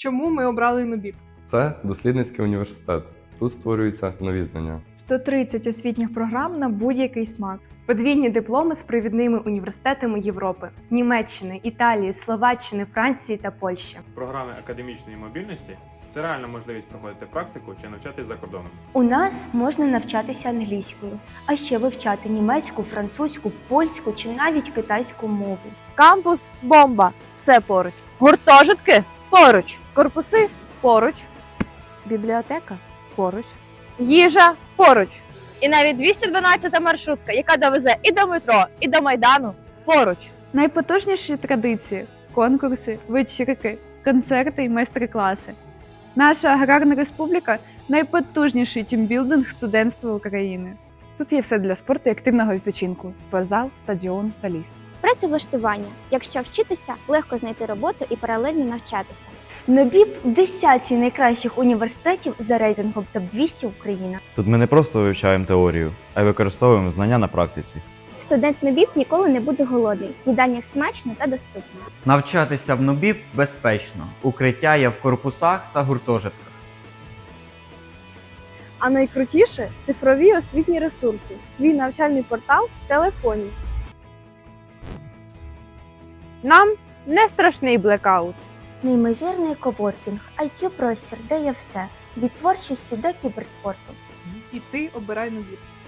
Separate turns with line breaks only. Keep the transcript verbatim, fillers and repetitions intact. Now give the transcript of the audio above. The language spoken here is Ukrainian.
Чому ми обрали НУБІП?
Це дослідницький університет. Тут створюються нові знання.
сто тридцять освітніх програм на будь-який смак.
Подвійні дипломи з провідними університетами Європи, Німеччини, Італії, Словаччини, Франції та Польщі.
Програми академічної мобільності – це реальна можливість проходити практику чи навчатись за кордоном.
У нас можна навчатися англійською, а ще вивчати німецьку, французьку, польську чи навіть китайську мову.
Кампус – бомба. Все поруч. Гуртожитки – поруч. Корпуси – поруч. Бібліотека – поруч. Їжа – поруч. І навіть двісті дванадцята маршрутка, яка довезе і до метро, і до Майдану – поруч.
Найпотужніші традиції – конкурси, вечірки, концерти і майстер-класи. Наша аграрна республіка – найпотужніший тімбілдинг студентства України.
Тут є все для спорту і активного відпочинку – спортзал, стадіон та ліс.
Працевлаштування. Якщо вчитися, легко знайти роботу і паралельно навчатися.
НУБІП в десятці найкращих університетів за рейтингом топ двісті Україна.
Тут ми не просто вивчаємо теорію, а й використовуємо знання на практиці.
Студент НУБІП ніколи не буде голодний. Їдальня смачно та доступно.
Навчатися в НУБІП безпечно. Укриття є в корпусах та гуртожитках.
А найкрутіше – цифрові освітні ресурси, свій навчальний портал в телефоні.
Нам не страшний блекаут.
Неймовірний коворкінг, ай к'ю-простір, де є все – від творчості до кіберспорту.
І ти обирай НУБІП.